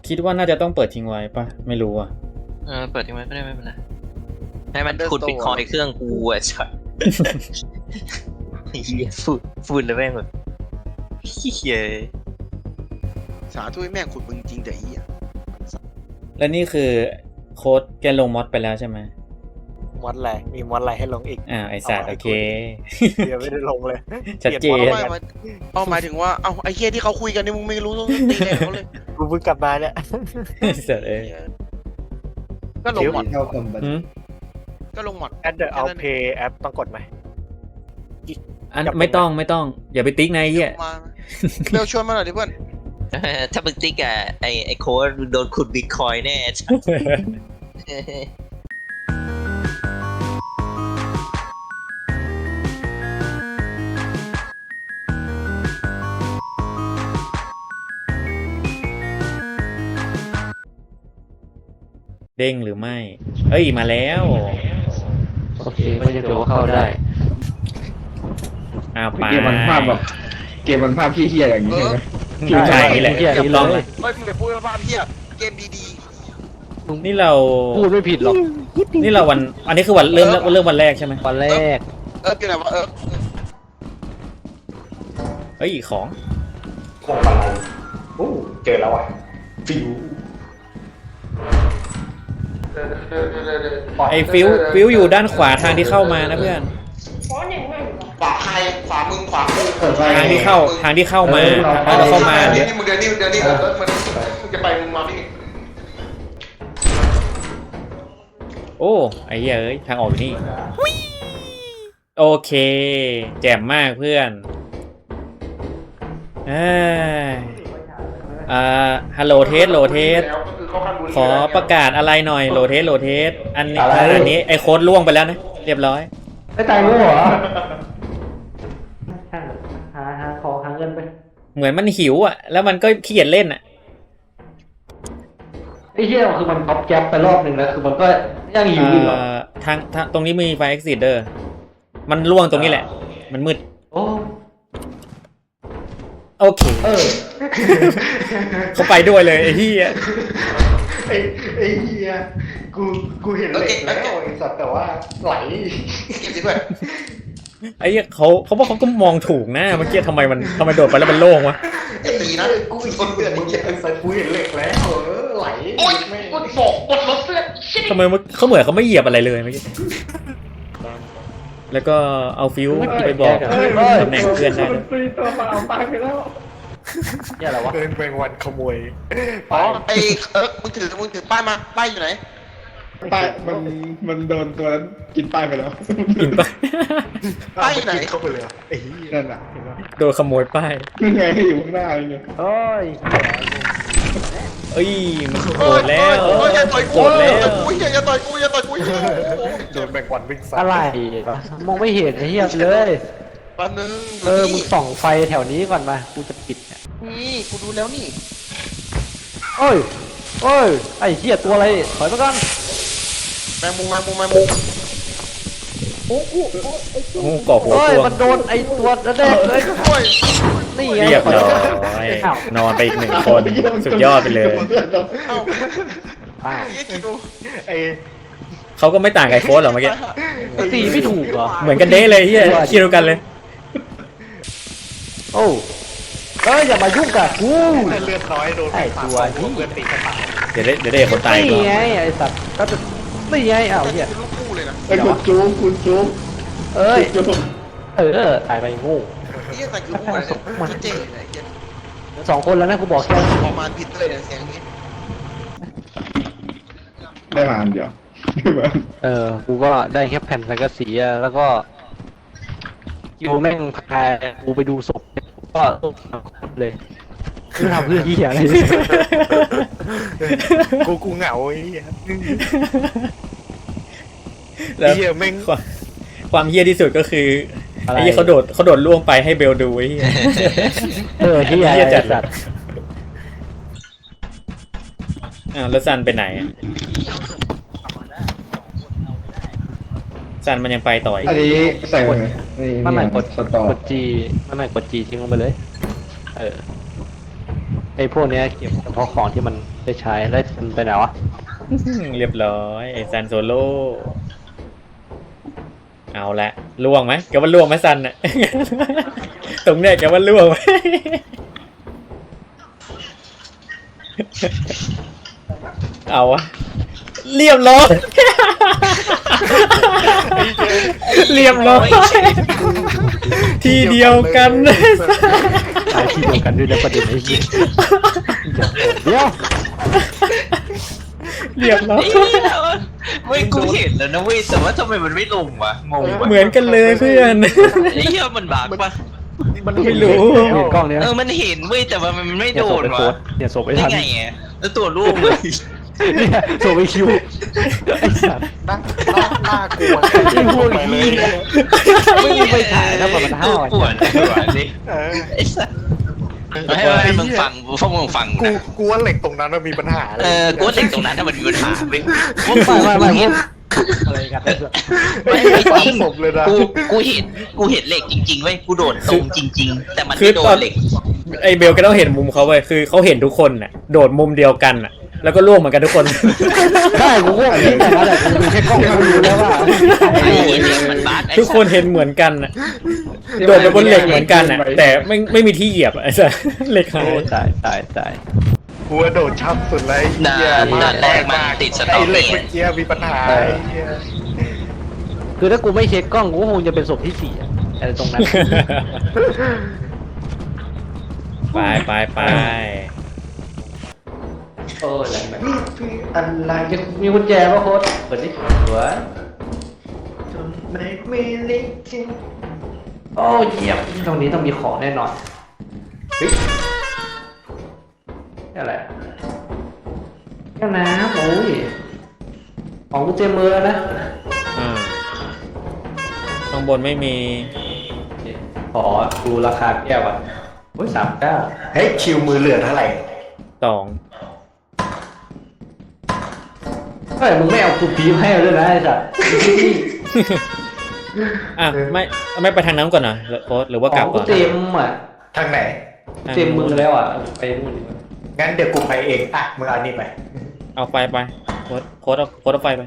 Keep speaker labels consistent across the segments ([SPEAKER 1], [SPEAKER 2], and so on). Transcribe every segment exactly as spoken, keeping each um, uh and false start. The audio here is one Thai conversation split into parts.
[SPEAKER 1] คิดว่าน่าจะต้องเปิดทิ้งไว้ปะไม่รู้อ่ะ
[SPEAKER 2] เออเปิดทิ้งไว้ก็ได้ไม่เป็นไรให้มันขุดบิตคอยน์เครื่องกูอ่ะชัดเฮียฟูดฟูดเลยแม่งแบบเฮีย
[SPEAKER 3] สาธุแม่งขุดมึงจริงแต่อีอ่ะ
[SPEAKER 1] และนี่คือโค้ดแกลงมอดไปแล้วใช่ไหม
[SPEAKER 4] มอดอะไรมีมอดอะไรให้ลงอีก
[SPEAKER 1] อ่าไอสัตว์โอเค
[SPEAKER 4] เดี๋ยวไม่ได้ลงเลย
[SPEAKER 1] ชัดเจน
[SPEAKER 3] เอาหมายถึงว่าเอาไอ้เหี้ยที่เขาคุยกันนี่มึงไม่รู้ต้องตีแรงเขาเลย
[SPEAKER 4] กูเพิ่งกลับมาเนี่ย
[SPEAKER 1] สัตว์เอ้ย
[SPEAKER 3] ก็ลงหมดก็ลงหมด
[SPEAKER 4] แอดเดอร์เอาเพย์แอปต้องกดไหม
[SPEAKER 1] อันไม่ต้องไม่ต้องอย่าไปติ๊กในเหี้ย
[SPEAKER 3] เร็วชวนมาหน่อยดิเพื่อน
[SPEAKER 2] ถ้ามึงติ๊กอะไอไอโค้ดโดนขุดบิตคอยน์แน่
[SPEAKER 1] เด้งหรือไม่เอ้ยมาแล้ว
[SPEAKER 5] โอเคไม่จะถือว่าเข้าได้
[SPEAKER 1] อ้าวไป
[SPEAKER 6] เกมมันภาพแบบเกมมันภาพขี้เหี้ยอย่างนี้ใช่ไหม
[SPEAKER 1] ใช่นี่แหละถูกต้องเลย
[SPEAKER 3] เฮ้ยมึงอย่าพูดว่าภาพเหี้ยเกมดี
[SPEAKER 1] ๆนี่เรา
[SPEAKER 5] พูดไม่ผิดหรอก
[SPEAKER 1] นี่เราวันอันนี้คือวันเริ่มเริ่มวันแรกใช่ไหม
[SPEAKER 5] วันแรก
[SPEAKER 3] เอออยู่ไหนวะเออ
[SPEAKER 1] เฮ้ยของ
[SPEAKER 6] ของอะไรโอ้เจอแล้วอ่ะฟิว
[SPEAKER 1] ไอฟิวฟิวอยู่ด้านขวาทางที่เข้ามานะเพื่อน
[SPEAKER 3] ขวาใครขวามึงขวากู
[SPEAKER 1] ทางที่เข้าทางที่เข้ามาทางที่เข้ามา
[SPEAKER 3] เนี่ยนี่มึงเดินนี่มึงเดินนี่เออมันมึงจะไปมึงมาพี่
[SPEAKER 1] โอ้ไอ้เหี้ยเอ้ยทางออกอยู่นี่โอเคแจ่มมากเพื่อนอ่าฮัลโหลเทสโหลเทสขอประกาศอะไรหน่อยโหลเทสโหลเทสอันนี้อันนี้ไอโค้ดล่วงไปแล้วนะเรียบร้อย
[SPEAKER 5] ไม่ตายรู้เหรอหาหาขอหาเงินไป
[SPEAKER 1] เหมือนมันหิวอ่ะแล้วมันก็ขี้เกียจเล่นอ่ะ
[SPEAKER 5] ไอ้เหี้ยคือมันท็อปแก๊ปไปรอบหนึ่งแล้วคือมันก็ยังหิวอยู่อ่ะ
[SPEAKER 1] ทางทางตรงนี้มีไฟเอ็กซิเดอร์มันล่วงตรงนี้แหละมันมืด
[SPEAKER 5] โอ้
[SPEAKER 1] โอเคเออเขาไปด้วยเลยไอ้เหี้ย
[SPEAKER 6] ไอ้ไอ้เหี้ยกูกูเห็นเหล็กแล้วไอ้สัตว์แต่ว่าไหล
[SPEAKER 3] เก็บสิเพื่อน
[SPEAKER 1] ไอ้เหี้ยเขาเขาบอกเขาก็มองถูกนะเมื่อกี้ทำไมมันทำไมโดดไปแล้วมันโล่งวะ
[SPEAKER 3] ไอ้ตีนะ
[SPEAKER 6] กูคนเดือดมึงยังใส่กูเห็นเหล็กแล้วเออไหล
[SPEAKER 3] โอ๊ยกดบอกกดรถเพื่อน
[SPEAKER 1] ทำไมเขาเหมือนเขาไม่เหยียบอะไรเลยเมื่อกี้แล้วก็เอาฟิวไปบอกตำแหน่งเพื่อนได้
[SPEAKER 6] ตัวเปล่าตายไปแล้ว
[SPEAKER 5] เนี่ยอะไรวะ
[SPEAKER 4] เดินไปวันขโมย
[SPEAKER 3] อ๋อไอ้เออมึงถือมึงถือป้ายมาป้ายอยู่ไหน
[SPEAKER 6] ป้ายมันมันโดนตัวนั้นกินป้ายไปแล้ว
[SPEAKER 1] กินป้าย
[SPEAKER 3] ป้ายอยู่ไหน
[SPEAKER 6] เข้าไปเลยไอ้นั่นน่ะ
[SPEAKER 1] โดนขโมยป้าย
[SPEAKER 6] นี่ไงอยู่ข้างหน้าเลย
[SPEAKER 5] โอ้ย
[SPEAKER 1] เอ้ยมันโกรธแล้ว
[SPEAKER 3] อย่าต่อยกูอย่าต่อยกูอย่าต่อยกู
[SPEAKER 4] โดนแบกวันวิ่งใส่
[SPEAKER 5] อะไรมองไม่เห็นไอ้เหี้ยเลย
[SPEAKER 3] ปันนึง
[SPEAKER 5] เออมึงส่องไฟแถวนี้ก่อนมากูจะปิดเนี่ย
[SPEAKER 3] นี่กูดูแล้วนี่
[SPEAKER 5] โอ้ยโอ้ยไอ้เหี้ยตัวอะไรถอยมาก่อน
[SPEAKER 3] แมงมุมแมงมุมแมงมุม
[SPEAKER 1] โอ้โหโอ้โหก่อหัวตัว
[SPEAKER 5] มันโดนไอ้ตัวนั่นแน่เลยนี่ไง
[SPEAKER 1] เรียบร้อยนอนไปอีกหนึ่งคนสุดยอดไปเลย
[SPEAKER 4] ไอ้
[SPEAKER 1] เขาก็ไม่ต่างกับโค้ดหรอเมื่อกี้
[SPEAKER 5] ตีไม่ถูกเหรอ
[SPEAKER 1] เหมือนกันเด้เลยเฮียคิดเดียวกันเลย
[SPEAKER 5] โอ้เอ้ยอย่ามายุ่งกับกู
[SPEAKER 4] เลือดน้อยโดน
[SPEAKER 5] ไอ้ตัวที่
[SPEAKER 4] เพื่อนตีกระต่าย
[SPEAKER 1] เดี๋ยวได้เดี๋ยวได้คนตาย
[SPEAKER 5] นี่ไงไอ้สัตว์ก็จะนี่ไงอ้าวเฮีย
[SPEAKER 3] ลูกคู่เลยนะ
[SPEAKER 6] ไอ้คุณจูคุณจู
[SPEAKER 5] เอ้ยเออตายไปงู
[SPEAKER 3] นี่แต่คือคู่มันเจ๋งเลย
[SPEAKER 5] สองคนแล้วนะกูบอกแค่
[SPEAKER 3] ประมาณผิดเลยเสียงนี้
[SPEAKER 6] ได้มาอันเดียว
[SPEAKER 5] เออกูก็ได้แค่แผ่นสังกะสีแล้วก็ยูแม่งพากูไปดูศพก็เลยคือทำเพื่อที่อะไร
[SPEAKER 4] กูกูเหงาไอ้เหี้ย
[SPEAKER 1] แล้วแม่งความเฮี้ยที่สุดก็คือไอ้เหี้ยเขาโดดเขาโดดล่วงไปให้เบลดูไอ้เหี้ย
[SPEAKER 5] เออเหี้ย
[SPEAKER 1] จัดอ้าวแล้วซันไปไหนซันมันยังไปต่ออีก
[SPEAKER 6] อันนี้ใส่
[SPEAKER 5] มันหมายกดกดจีมันหมายกดจีทิ้งลงไปเลยเออไอ้พวกเนี้ยเก็บเฉพาะของที่มันได้ใช้แล้วมันไปไหนวะ
[SPEAKER 1] เรียบร้อยไอ้ซันโซโล่เอาละล่วงไหมแกว่าล่วงไหมซันน่ะ ตรงเนี้ยแกว่าล่วงไหม เอาวะเรียบร้อย เรียบร้อยทีเดียวกัน
[SPEAKER 5] ตายที่เดียวกันด้วยนะประเด็นไอ้เหี้ยเดี๋ยว
[SPEAKER 1] เรียบร้อย
[SPEAKER 2] เว้ยกูเห็นแล้วนะเว้ยแต่ว่าทำไมมันไม่ลงวะงงวะ
[SPEAKER 1] เหมือนกันเลยเพื่อน
[SPEAKER 2] ไอ้เหี้ยมันบากปะ
[SPEAKER 4] มัน
[SPEAKER 1] ไม่รู้
[SPEAKER 5] เห็นกล้องเนี้ย
[SPEAKER 2] เออมันเห็นเว้ยแต่ว่ามันไม่
[SPEAKER 5] เนี่ย
[SPEAKER 2] โด
[SPEAKER 5] ศพ
[SPEAKER 2] น
[SPEAKER 5] ไอ้โฟ
[SPEAKER 2] วะ
[SPEAKER 5] ร์เนี่ยศพไอ้
[SPEAKER 2] ได้
[SPEAKER 5] ทัน
[SPEAKER 2] ไงอ่ะแล้วตัวลูกเลย
[SPEAKER 5] เนี่ยศพไอ้คิวไอ้สัตว์
[SPEAKER 4] น่าน่ากลัว
[SPEAKER 5] ไอ้พวกนี้ไม่มีไปถ่ายนะมันมันห้าว
[SPEAKER 2] ปวดหัวนี่
[SPEAKER 4] เออ
[SPEAKER 2] ไอ้สัสให้ให้มึงฟังพวกมึงฟัง
[SPEAKER 4] กู
[SPEAKER 2] นะ
[SPEAKER 4] กูว่าเหล็กตรงนั้นมันมีปัญหาเลย
[SPEAKER 2] เออกูว่าเหล็กตรงนั้นถ้ามันมีปัญหาเว้ย
[SPEAKER 5] ไม่ไม่ไม่พวกอะไรกันไอ้สัตว์
[SPEAKER 4] ไม่ไม่ฝังศพเลยนะ
[SPEAKER 2] กูกูเห็นกูเห็นเหล็กจริงๆเว้ยกูโดดตรงจริง ๆ แต่มัน
[SPEAKER 1] คือ
[SPEAKER 2] ไม่โด
[SPEAKER 1] ตอน น
[SPEAKER 2] เหล็ก
[SPEAKER 1] ไอเบลก็ต้องเห็นมุมเขาเว้ยคือเขาเห็นทุกคนน่ะโดดมุมเดียวกันน่ะแล้วก็ล่วงเหมือนกันทุกคน
[SPEAKER 5] ใช่กูก็คิดแต่นั้นแหละกูดูแค่กล้องกูรู้แล้วว่า
[SPEAKER 2] ไอ้เหี้ยเหล็กมันบาดไอ้
[SPEAKER 1] ทุกคนเห็นเหมือนกันน่ะโดดไปบนเหล็กเหมือนกันน่ะแต่ไม่ไม่มีที่เหยียบอะไอ้สัสเหล็กหาย
[SPEAKER 5] โอ้ตายตายตาย
[SPEAKER 4] กูว่าโดดชับสุดเลย
[SPEAKER 2] ด่า
[SPEAKER 4] เหี้ย
[SPEAKER 2] ด่านแรกมันติดสตอ
[SPEAKER 4] ไอ้เหล็ก
[SPEAKER 2] รี่
[SPEAKER 4] เมื่อกี้มีปัญหาไอ้เหี้ย
[SPEAKER 5] คือถ้ากูไม่เช็คกล้องกูก็คงจะเป็นศพที่สี่อะอะไรตรงนั้น
[SPEAKER 1] ไปไปไป
[SPEAKER 5] โอ้ยอะไรแบบอะไรจะมีกุญแจป่ะโค้ดเปิดดิหัวจนไม่มีลิขิตโอ้เยี่ยมตรงนี้ต้องมีของแน่นอนเฮ้ยนี่อะไรแก้วน้ำโอ้ยของกุญแจมือนะ
[SPEAKER 1] อ่าข้างบนไม่มี
[SPEAKER 5] ขอดูราคาแก้วอ่ะโอ้ยสามเก้า
[SPEAKER 6] เฮ้ยคิวมือเหลือเท่าไหร่
[SPEAKER 1] สอง
[SPEAKER 5] เฮ้ยมึงไม่เอาคูปีให้ด้วยนะไอ้สัส
[SPEAKER 1] อ่ะไม่ไม่ไปทางน้ำก่อนนะโค้ดหรือว่ากลับ
[SPEAKER 5] ข
[SPEAKER 1] ก่
[SPEAKER 5] อ
[SPEAKER 1] อง น
[SPEAKER 5] กูเต็มอ่ะ
[SPEAKER 6] ทางไหน
[SPEAKER 5] เต็มมือแล้วอ่ะไปนู่นดีกว่า
[SPEAKER 6] งั้นเดี๋ยวกูไปเองอ่ะมึงเอานี่ไป
[SPEAKER 1] เอาไฟไปโค้ดโค้ดเอาโค้ดเอาไฟไป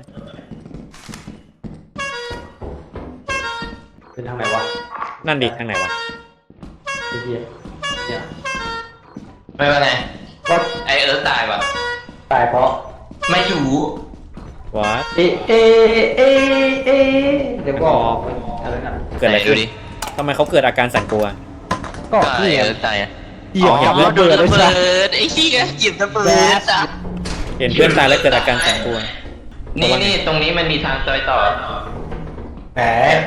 [SPEAKER 5] เป็นทางไหนวะ
[SPEAKER 1] นั่นดิทางไหนวะ
[SPEAKER 5] ไอ้เหี้ยเนี่ย
[SPEAKER 2] ไม่เป็นไร
[SPEAKER 5] ก็
[SPEAKER 2] ไอเอิร์ธตายวะ
[SPEAKER 5] ตายเพราะ
[SPEAKER 2] ไม่อยู่
[SPEAKER 1] วัด
[SPEAKER 5] เอเอเอเอเดี๋ยวบอกอะไรนะ
[SPEAKER 1] เกิดอะไร
[SPEAKER 2] ไหนดู
[SPEAKER 1] ขึ้น
[SPEAKER 2] ดิ
[SPEAKER 1] ทำไมเขาเกิดอาการสั่นกลัว
[SPEAKER 5] ก็
[SPEAKER 2] ก็ไอ
[SPEAKER 5] นี่ไง
[SPEAKER 2] เอิร์ธตายอะ
[SPEAKER 5] เหยียบ
[SPEAKER 2] อ๋อ
[SPEAKER 5] เหยียบ
[SPEAKER 2] โด
[SPEAKER 5] ระ
[SPEAKER 2] น
[SPEAKER 5] เบิด
[SPEAKER 2] ระ
[SPEAKER 5] เลย
[SPEAKER 2] เบิ
[SPEAKER 5] จ้ะ
[SPEAKER 2] ดไอ้เหี้ยหยิบระเบิดจ้ะ
[SPEAKER 1] เห็นเพื่อนตายแล้วเกิดอาการสั่นกลัว
[SPEAKER 2] นี่นี่ตรงนี้มันมีทางซอยต่อ
[SPEAKER 6] แหม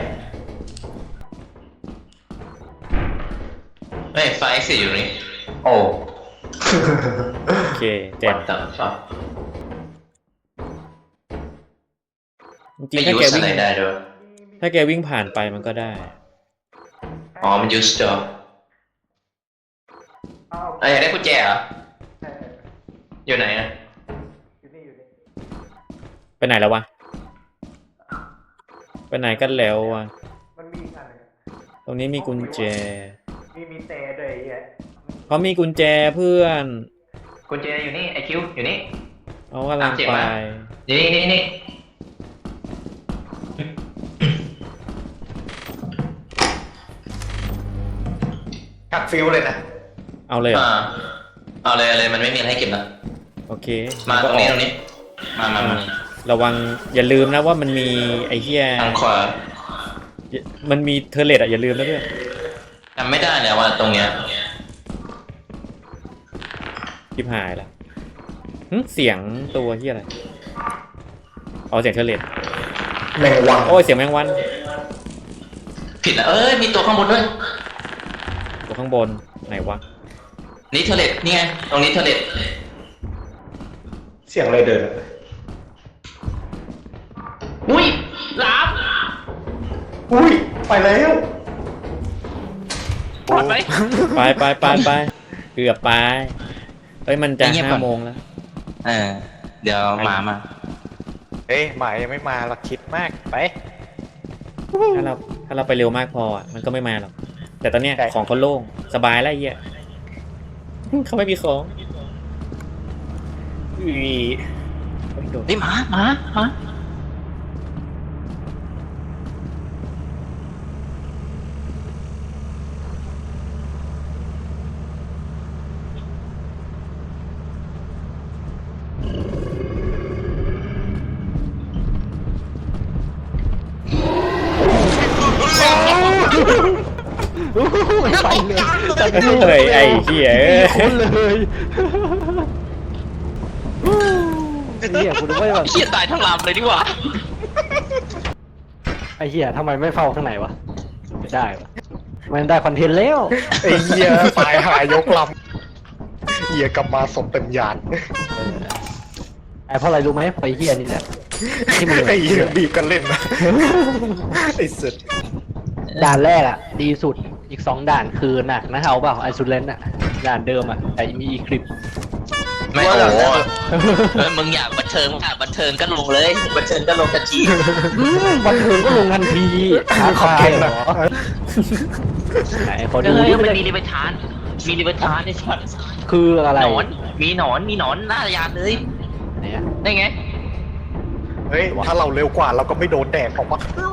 [SPEAKER 2] เฮ้ยไฟสิอยู่นี่โอ้
[SPEAKER 1] โอเคเจ็บ
[SPEAKER 2] ตัดชอบ
[SPEAKER 1] จริ
[SPEAKER 2] ไม่
[SPEAKER 1] งๆถ้า
[SPEAKER 2] ยู
[SPEAKER 1] แก
[SPEAKER 2] ส
[SPEAKER 1] วิ่ง
[SPEAKER 2] อะไรได้ด้วย
[SPEAKER 1] ถ้าแกวิ่งผ่านไปมันก็ได้
[SPEAKER 2] อ๋อมันยูสจอเอ้ยอยากได้กุญแจเหรออยู่ไหนอะ
[SPEAKER 1] ไปไหนแล้ววะไปไหนกันแล้ววะ
[SPEAKER 6] มันมีอะไร
[SPEAKER 1] ตรงนี้มีกุญแจ
[SPEAKER 6] มีมีเตะด้วยไอ้เหี้ย
[SPEAKER 1] เขามีกุญแจเพื่อน
[SPEAKER 2] กุญแจอยู่นี่ไอคิวอยู่นี่
[SPEAKER 1] เขากำลัง
[SPEAKER 2] ตามเจ็บ
[SPEAKER 1] ไป
[SPEAKER 2] มา นี่นี่นี่
[SPEAKER 6] หักฟิวเลยนะ
[SPEAKER 1] เอาเลยเหรอ
[SPEAKER 2] อ่าเอาเลยเอาเลยมันไม่มีอะไรให้เก็บแล้ว
[SPEAKER 1] โอเค
[SPEAKER 2] มาตรงนี้ตรงนี้มามา
[SPEAKER 1] อ่า
[SPEAKER 2] มา
[SPEAKER 1] ระวังอย่าลืมนะว่ามันมีไอ้เหี้ย
[SPEAKER 2] ทางขวา
[SPEAKER 1] มันมีเทอร์เลตอะอย่าลืมนะเพื่อน
[SPEAKER 2] จำไม่ได้แล้วว่าตรงเนี้ย
[SPEAKER 1] ทิพหายละหึเสียงตัวเหี้ยอะไรอ๋อเสียงเทอร์เลต
[SPEAKER 6] แมงวัง
[SPEAKER 1] โอ้ยเสียงแมงวัน
[SPEAKER 2] ผิดแล้วเอ้ยมีตัวข้างบนด้วย
[SPEAKER 1] ตัวข้างบนไหนวะ
[SPEAKER 2] นี่เทเลตนี่ไงตรงนี้เทเลต
[SPEAKER 6] เสียงอะไรเดินอะ
[SPEAKER 2] อุ้ยหลาม
[SPEAKER 6] อุ้ยไปแล้ว
[SPEAKER 2] ปลอดไหม
[SPEAKER 1] ไปไปไปไปเกือบไปเฮ้ยมันจะห้าโมงแล้ว
[SPEAKER 2] เออเดี๋ยวหมามา
[SPEAKER 4] เอ้ยหมายยังไม่มาเราคิดมากไป
[SPEAKER 1] ถ้าเราถ้าเราไปเร็วมากพออะมันก็ไม่มาหรอกแต่ตอนเนี้ย
[SPEAKER 4] ใช่
[SPEAKER 1] ของเขาโล่งสบายแล้วไอ้เหี้ยเขาไม่มีของอุ้ยไม่โดน
[SPEAKER 2] เฮ้ยหมาหมาหมา
[SPEAKER 5] ไปเลย
[SPEAKER 1] เฮ้ยไอ้เหี้ย
[SPEAKER 5] คนเลยไอ้เหี้ยกูนึกว่าแบบ
[SPEAKER 2] เฮียตายทั้งลำเลยดีกว่า
[SPEAKER 5] ไอ้เหี้ยทำไมไม่เฝ้าข้างในวะไม่ได้วะมันได้คอนเทนต์แล้ว
[SPEAKER 4] ไอ้เหี้ยตายหายกลำเหี้ยกลับมาศพเต็มยาน
[SPEAKER 5] ไอ้เพราะอะไรรู้ไหมไอ้เหี้ยนี่แหละที่มึง
[SPEAKER 4] ไอ้เหี้ยบีบกันเล่นนะไอ้สุด
[SPEAKER 5] ด่านแรกอ่ะ ดีสุดอีกสองด่านคือหนักนะเอาเปล่าไอซูเลนอ่ะด่านเดิมอ่ะแต่มีอีคลิป
[SPEAKER 2] ไม่โอ้โหเออมึงอยากบันเทิงอยากบันเทิงก็ลงเลยบันเทิงก็ลงกันที
[SPEAKER 5] บันเทิงก็ลงทันทีหา
[SPEAKER 4] ขอบ
[SPEAKER 5] คาย
[SPEAKER 4] คุณ
[SPEAKER 5] เหร
[SPEAKER 4] นะ
[SPEAKER 5] อไหนขอดู
[SPEAKER 2] เฮ้ย
[SPEAKER 5] ดิ
[SPEAKER 2] มันมีริเวทานมีริเวทานในช็อต
[SPEAKER 5] คืออะไร
[SPEAKER 2] หนอนมีหนอนมีหนอนหน้ายานเลย
[SPEAKER 5] ไหนอะ
[SPEAKER 2] ได้ไง
[SPEAKER 4] เฮ้ยถ้าเราเร็วกว่าเราก็ไม่โดนแดดออกมา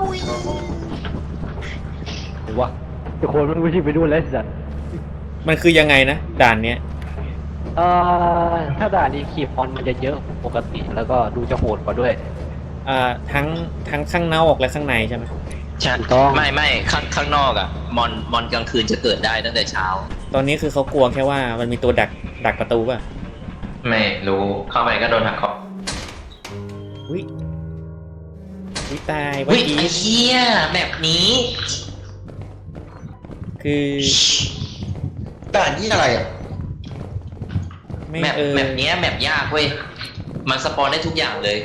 [SPEAKER 5] หรือว่าทุกคนมันไม่ใช่ไปดูแล้วสัตว์
[SPEAKER 1] มันคือยังไงนะด่านเนี้ย
[SPEAKER 5] เอ่อถ้าด่านนี้คีบออนมันจะเยอะปกติแล้วก็ดูจะโหดกว่าด้วย
[SPEAKER 1] อ่าทั้งทั้งข้างนอกและข้างในใช่ไหม
[SPEAKER 2] ใช่
[SPEAKER 5] ถูกต้อง
[SPEAKER 2] ไม่ไม่ข้างข้างนอกอะมอนมอนกลางคืนจะเกิดได้ตั้งแต่เช้า
[SPEAKER 1] ตอนนี้คือเขากลัวแค่ว่ามันมีตัวดักดักประตูป่ะ
[SPEAKER 2] ไม่รู้เข้าไปก็โดนหักคอ
[SPEAKER 1] วิวิตาย
[SPEAKER 2] วิ
[SPEAKER 1] เมื่อกี้
[SPEAKER 2] ไอ้เหี้ยแบบนี้
[SPEAKER 1] คือ
[SPEAKER 3] ด่านที่อะไรอ่ะ
[SPEAKER 1] ไม่
[SPEAKER 2] แมป
[SPEAKER 1] เออ
[SPEAKER 2] แมปเนี้ยแมปยากเว้ยมันสปอนได้ทุกอย่างเลย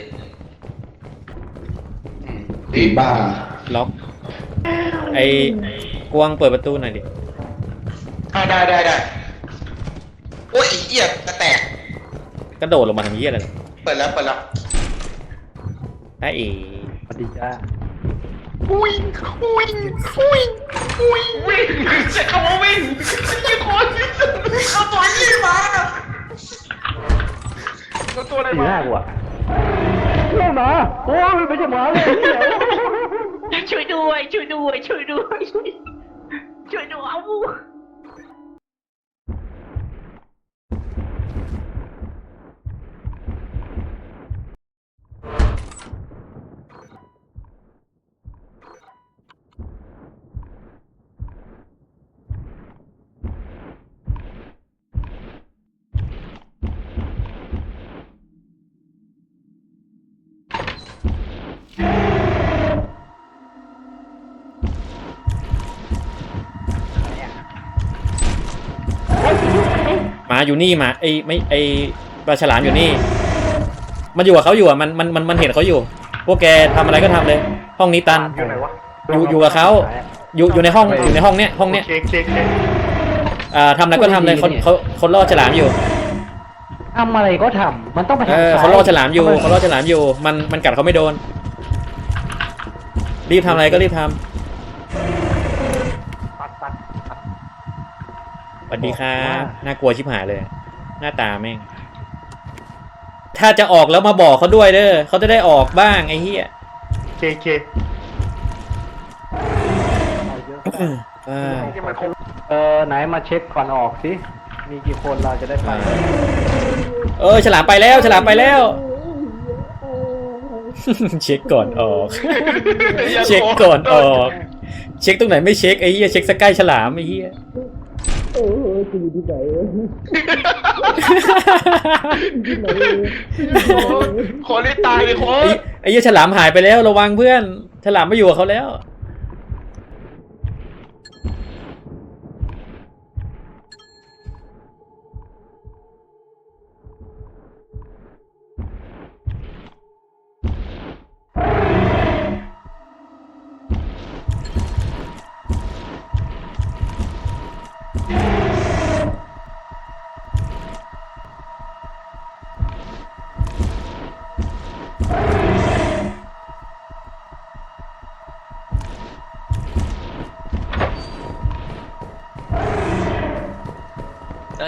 [SPEAKER 3] ผีบ้า
[SPEAKER 1] ล็อก ไอ้กวางเปิดประตูหน่อยดิ
[SPEAKER 3] อ่าได้ได้ได้โอ้ยไอ้เหี้ยกระแตก
[SPEAKER 1] กระโดดลงมาทำเหี้ยอะไรล่ะ
[SPEAKER 3] เปิดแล้วเปิดแล้ว
[SPEAKER 1] ได้เอ๋
[SPEAKER 5] สวัสดีจ้า
[SPEAKER 3] วิ่งวิ่งวิ่งวิ่งวิ่งใช้คำว่าวิ่งยี่คนเอาตัวยี่มาเอาตัวอะไร
[SPEAKER 5] สีห
[SPEAKER 3] มา
[SPEAKER 5] น้ากูอะไม่หมาโอ้ยไม่ใช่หมาเลย
[SPEAKER 2] ช่วยด้วยช่วยด้วยช่วยด้วยช่วยด้วยเอา
[SPEAKER 1] หมาอยู่นี่หมาไอ้ไม่ไอ้ปลาฉลามอยู่นี่ มันอยู่กับเขาอยู่อ่ะมันมันมันมันเห็นเขาอยู่ พวกแกทำอะไรก็ทำเลย ห้องนี้ตัน
[SPEAKER 4] อยู่ไหนวะ
[SPEAKER 1] อยู่อยู่กับเขาอยู่อยู่ในห้องอยู่ในห้องเนี้ยห้องเนี้ย
[SPEAKER 4] เค้กเค้กเค้ก
[SPEAKER 1] อ่าทำอะไรก็ทำเลยเขาเขาเขาล่อฉลามอยู่
[SPEAKER 5] ทำอะไรก็ทำมันต้องไป
[SPEAKER 1] เอ
[SPEAKER 5] ทาง
[SPEAKER 1] อ
[SPEAKER 5] ซ้าย
[SPEAKER 1] เขาล่อฉลามอยู่เขาล่อฉลามอยู่ มันมันกัดเขาไม่โดน รีบทำอะไรก็รีบทำสวัสดีครับน่ากลัวชิบหายเลย หน้าตาแม่ง ถ้าจะออกแล้วมาบอกเขาด้วยเด้อเขาจะได้ออกบ้างไอ้เหี้ย
[SPEAKER 4] เค้กเค้ก
[SPEAKER 1] อ่า
[SPEAKER 5] เออไหนมาเช็คก่อนออกสิมีกี่คนเราจะได้ไป
[SPEAKER 1] เออฉลามไปแล้วฉลามไปแล้ว เช็คก่อนออก เช็คก่อนออก เช็คตรงไหนไม่เช็คไอ้เหี้ยเช็คสกายฉลามไอ้เหี้ย
[SPEAKER 3] ขอได้ตายเลยโค้
[SPEAKER 1] ไอ้
[SPEAKER 3] ด
[SPEAKER 1] ไอ้เหี้ยฉลามหายไปแล้วระวังเพื่อน ฉลามไม่อยู่กับเขาแล้ว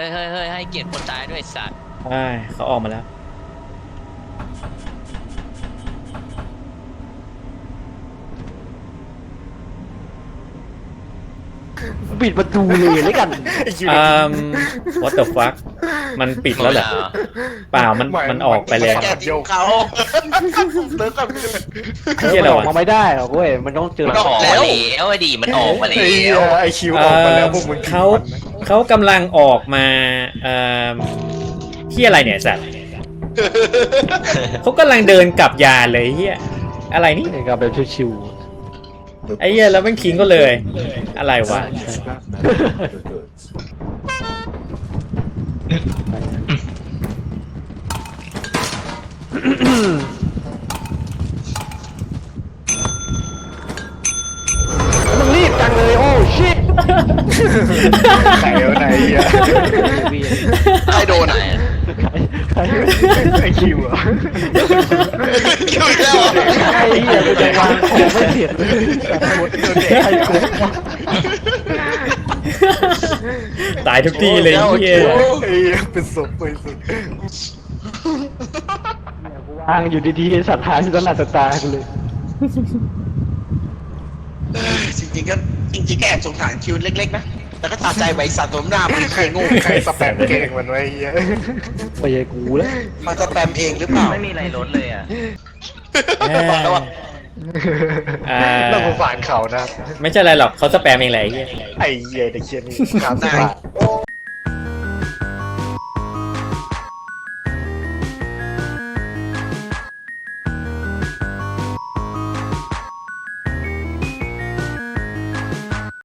[SPEAKER 2] ฮ้ยเฮ้ยเฮ้ยให้เกียรติคนตายด้วยสัตว์
[SPEAKER 1] ใช่เขาออกมาแล้ว
[SPEAKER 5] ปิดประตูเลยแล้วกัน
[SPEAKER 1] อืม what the fuck มันปิดแล้วเหรอ เปล่ามันมันออกไปแล้ว
[SPEAKER 3] แกทิ้งเขาเลิกกัน
[SPEAKER 1] เที่ย
[SPEAKER 5] มัน
[SPEAKER 1] อะไร
[SPEAKER 5] ออก
[SPEAKER 1] วะ
[SPEAKER 5] มาไม่ได้หรอกเว้ยมันต้องเจอ
[SPEAKER 2] มันออกมาแล้วไอ้ดีมันออกมาแล้
[SPEAKER 4] ไอ้เหี้ยว ไอคิวออกมาแล้วพวกมึง
[SPEAKER 1] เขาเขากำลังออกมาเอ่อที่อะไรเนี่ยสัตว์เขากำลังเดินกลับยานเลยเฮียอะไรนี่
[SPEAKER 5] นี่ก็แบบชิว
[SPEAKER 1] ไอ้เฮียแล้วมันคิงก็เลย อะไรวะ
[SPEAKER 5] ๆมึงรีบจังเลยโอ้ชิต
[SPEAKER 4] ไหนวะไหนเหี้ย
[SPEAKER 3] ใครโดนอ่ะ
[SPEAKER 4] ไอคิวอะ
[SPEAKER 3] คิวแล้ว
[SPEAKER 5] ไอ้เหี้ยกูจะวางของไม่เสร็จเลย
[SPEAKER 4] ไอ้กู
[SPEAKER 1] ตายทุกที่เลยเฮีย
[SPEAKER 4] ไอ้เหี้ยเป็นศพไปสุด
[SPEAKER 5] วางอยู่ดีๆสัตว์หายอยู่ตลาดตากูเลย
[SPEAKER 3] จริงๆก็จริงๆก็แอบสงสารคิวเล็กๆนะแต่ก็ตาใจไว้สัตว์ตัวหน้ามันเคยโง่
[SPEAKER 4] ใครสแปมเก่งมันไว้ไอ้เหี้ย
[SPEAKER 5] ไม่ใช่กูแล้ว
[SPEAKER 3] มันจะแปมเองหรือเปล่า
[SPEAKER 2] ไม่มีอะไรลดเลยอ่ะ
[SPEAKER 3] บอกแล้วว่า
[SPEAKER 1] อ่า
[SPEAKER 4] เราสงสารเขานะ
[SPEAKER 1] ไม่ใช่อะไรหรอกเขาสแปมเองแหละไอ้เฮีย
[SPEAKER 4] ไอ้เหี้ยเด็กเชี่ยนี่สามสิบบาท